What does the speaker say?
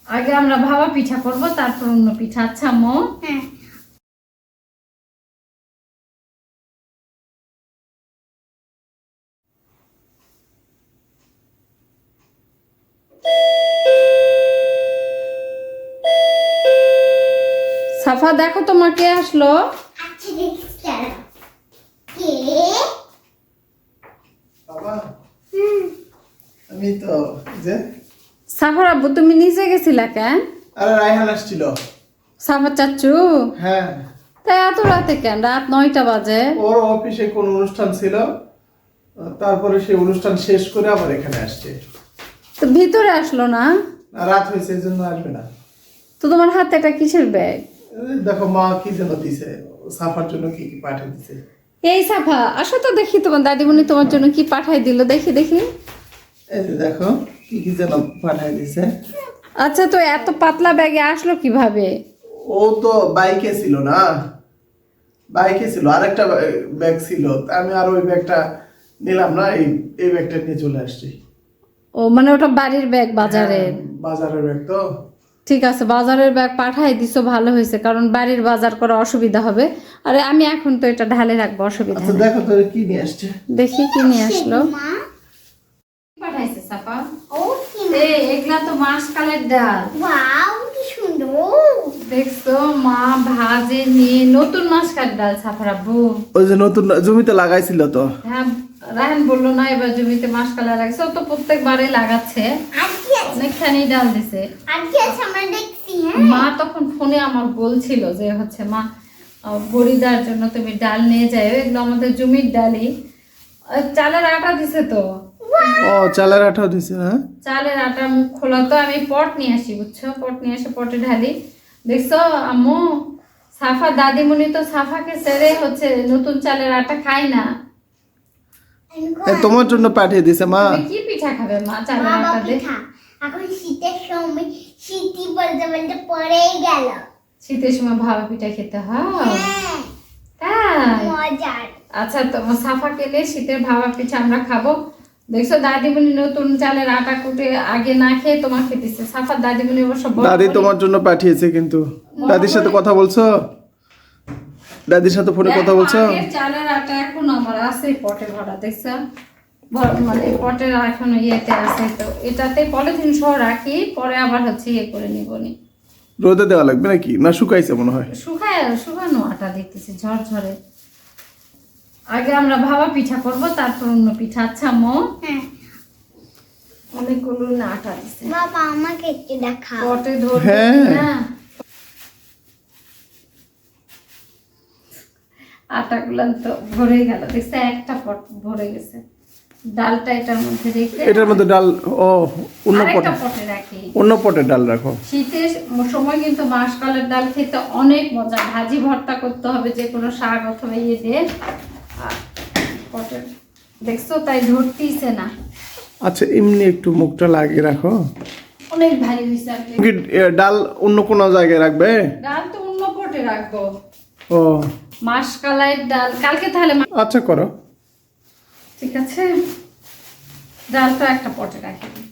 আগে আমরা ভাবা পিঠা করব, তারপর অন্য পিঠা। আচ্ছা আম্মু? হ্যাঁ। সাফা দেখো তোমার কে আসলো। আচ্ছা দেখি কে। বাবা আমি তো যে সাফার আব্বু তুমি নিচে গেছিলা কেন? আরে রায়হান আসছিল। সাফার চাচু? হ্যাঁ, তাই এত রাতে কেন? রাত 9টা বাজে। ওর অফিসে কোন অনুষ্ঠান ছিল, তারপরে সেই অনুষ্ঠান শেষ করে আবার এখানে আসছে। তো ভিতরে আসলো না? রাত হয়েছে এই জন্য আসবে না। তো তোমার হাতে এটা কিসের ব্যাগ? এই দেখো মা কি যেন দিছে, সাফার জন্য কি কি পাঠিয়ে দিছে। এই সাফা আসো তো দেখি তোমার দাদিমণি তোমার জন্য কি পাঠাই দিল, দেখি দেখি। এই যে দেখো কি কি যেন পাঠিয়ে দিছে। আচ্ছা, তো এত পাতলা ব্যাগে আসলো কিভাবে? ও তো বাইকে ছিল না, বাইকে ছিল আরেকটা ব্যাগ ছিল, তা আমি আর ওই ব্যাগটা নিলাম না, এই ব্যাগটা নিয়ে চলে আসছি। ও মানে ওটা বাড়ির ব্যাগ, বাজারের? হ্যাঁ, বাজারের ব্যাগ তো। ঠিক আছে, বাজারের ব্যাগ পাঠাই দিছো, ভালো হয়েছে, কারণ বাড়ির বাজার করা অসুবিধা হবে। আরে আমি এখন তো এটা ঢালে রাখবো, অসুবিধা আচ্ছা নেই। দেখো তো কি নিয়ে আসছে। দেখি কি নিয়ে আসলো। মা পাঠাইছে সাফা? ও কি এই এগুলা তো মাসকালের ডাল। ওয়াও কি সুন্দর। দেখছো মা ভাজে নিয়ে নতুন মাসকালের ডাল সাফার আব্বু। ওই যে নতুন জমিতে লাগাইছিল তো। হ্যাঁ, রায়হান বললো না এবার জমিতে মাসকালা লাগছে, ও তো প্রত্যেকবারে লাগাচ্ছে, আজকে আছে অনেকখানি ডাল দিছে। আজকে আছে আমরা দেখছি। হ্যাঁ মা তখন ফোনে আমার বলছিল যে হচ্ছে মা বড়িদার জন্য তুমি ডাল নিয়ে যাও, এগুলো আমাদের জমির ডালই। চালের আটা দিছে তো। ও চালের আঠাও দিছে না। চালের আটা মুখ খোলা তো, আমি পট নিয়ে আসি বুঝছো, পট নিয়ে এসে পটে ঢালি। দেখছো আম্মু, সাফা দাদিমণি তো সাফাকে ছেড়ে হচ্ছে নতুন চালের আটা খায় না। তোমার জন্য পাঠিয়ে দিছে মা। তুমি কি পিঠা খাবে মা চালের বাবা আটা দিয়ে? পিঠা এখন শীতের সময় শীতই বলতে বলতে পড়েই গেল। শীতের সময় ভাবা পিঠা খেতে হয়? হ্যাঁ তাই? মজার। আচ্ছা, তোমার সাফা কেলে শীতের ভাবা পিঠা আমরা খাবো। দেখছো দাদিমণি নতুন চালের আটা কুটে আগে না খেয়ে তোমাকে দিচ্ছে। সাফার দাদিমণি অবশ্য দাদি তোমার জন্য পাঠিয়েছে, কিন্তু দাদির সাথে কথা বলছো? দাদির সাথে ফোনে কথা বলছো? আগের চালের আটা এখন আমার আছে পটে ভরা, দেখছো মানে পটের এখন ইয়েতে আছে, তো এটাতে পলিথিন সহ রাখি, পরে আবার হচ্ছে ইয়ে করে নিবনি। রোদে দেওয়া লাগবে নাকি, না শুকাইছে মনে হয়? শুকানো আটা দেখতেছি ঝরঝরে। আগে আমরা ভাবা পিঠা করব, তারপর অন্য পিঠা। আচ্ছা আম্মু? হ্যাঁ অনেকগুলো না আটা দিছে, বাবা আমাকে একটু দেখাও। পটে ধরবে হ্যাঁ। না আটাগুলো তো ভরে গেল, দেখছে একটা পট ভরে গেছে। ডালটা এটার মধ্যে রেখে এটার মধ্যে ডাল, ও অন্য পটে, আরেকটা পটে রাখি। অন্য পটে ডাল রাখো। শীতের সময় কিন্তু মাসকালের ডাল খেতে অনেক মজা, ভাজি ভর্তা করতে হবে যে কোনো শাক অথবা ইয়ে দিয়ে। আর পটের দেখছো তাই ধরতেইছে না। আচ্ছা এমনি একটু মুখটা লাগিয়ে রাখো। অনেক ভারী হয়েছে। আর কি ডাল অন্য কোনো জায়গায় রাখবে? ডাল তো অন্য পটে রাখবো। ও মাসকালের ডাল কালকে তাহলে আচ্ছা করো। ঠিক আছে, ডালটা একটা পটে রাখি।